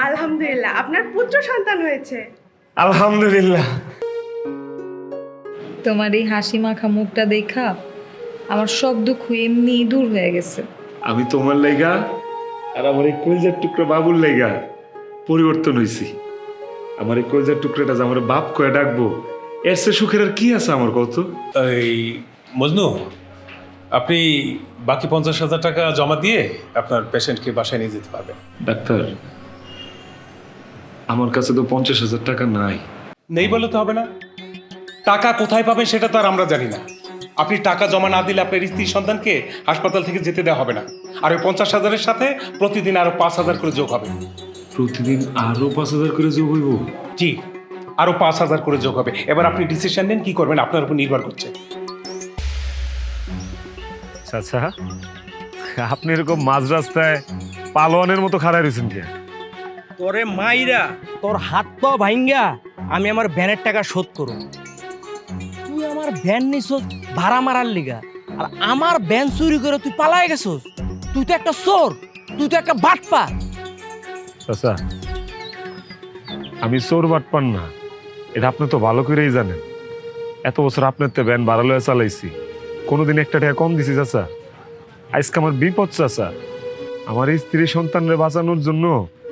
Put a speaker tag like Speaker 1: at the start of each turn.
Speaker 1: আলহামদুলিল্লাহ, আপনার পুত্র সন্তান হয়েছে।
Speaker 2: আলহামদুলিল্লাহ।
Speaker 3: তোমার এই হাসি মাখা মুখটা দেখা আমার সব দুঃখ এমনি দূর হয়ে গেছে।
Speaker 2: আমি তোমার লাইগা আর আমার এই কলজার টুকরা বাবুর লাইগা পরিবর্তন হইছি। আমার এই কলজার টুকরাটা যে আমার বাপ কয়ে ডাকবো, এর সে সুখের আর কি আছে আমার কত?
Speaker 4: এই মজনু, আপনি বাকি 50,000 টাকা জমা দিয়ে আপনার পেশেন্টকে বাসায় নিয়ে যেতে পারবেন।
Speaker 2: ডাক্তার, আমার কাছে তো 50,000 টাকা নাই।
Speaker 4: নেই বলে তো হবে না। টাকা কোথায় পাবেন সেটা তো আর আমরা জানি না। আপনি টাকা জমা না দিলে আপনার স্ত্রী সন্তানকে হাসপাতাল থেকে যেতে দেওয়া হবে না। আর ওই 50,000-এর সাথে প্রতিদিন আরো 5,000 করে যোগ হবে।
Speaker 2: প্রতিদিন আরো 5,000 করে যোগ হইব?
Speaker 4: জি, আরো 5,000 করে যোগ হবে। এবার আপনি ডিসিশন নেন কি করবেন, আপনার উপর নির্ভর করছে।
Speaker 2: আচ্ছা, আপনি এরকম মাঝ রাস্তায় পালোয়ানের মতো খাড়াই রয়েছেন কে?
Speaker 5: তোরে মাইরা তোর হাত পা ভাঙ্গা আমি আমার ভ্যানের টাকা শোধ করব। তুই আমার ভ্যান নিছস ভাড়া মারার লিগা, আর আমার ভ্যান চুরি করে তুই পালায় গেছস। তুই তো একটা চোর, তুই তো একটা বাটপার।
Speaker 2: আচ্ছা, আমি চোর বাটপার না, এটা আপনি তো ভালো করেই জানেন। এত বছর আপনার তো ভ্যান ভাড়া লয়ে চালাইছি, কোনোদিন একটা টাকা কম দিছি চাচা? আজকে আমার বিপদ চাচা। আমার স্ত্রী সন্তানরে বাঁচানোর জন্য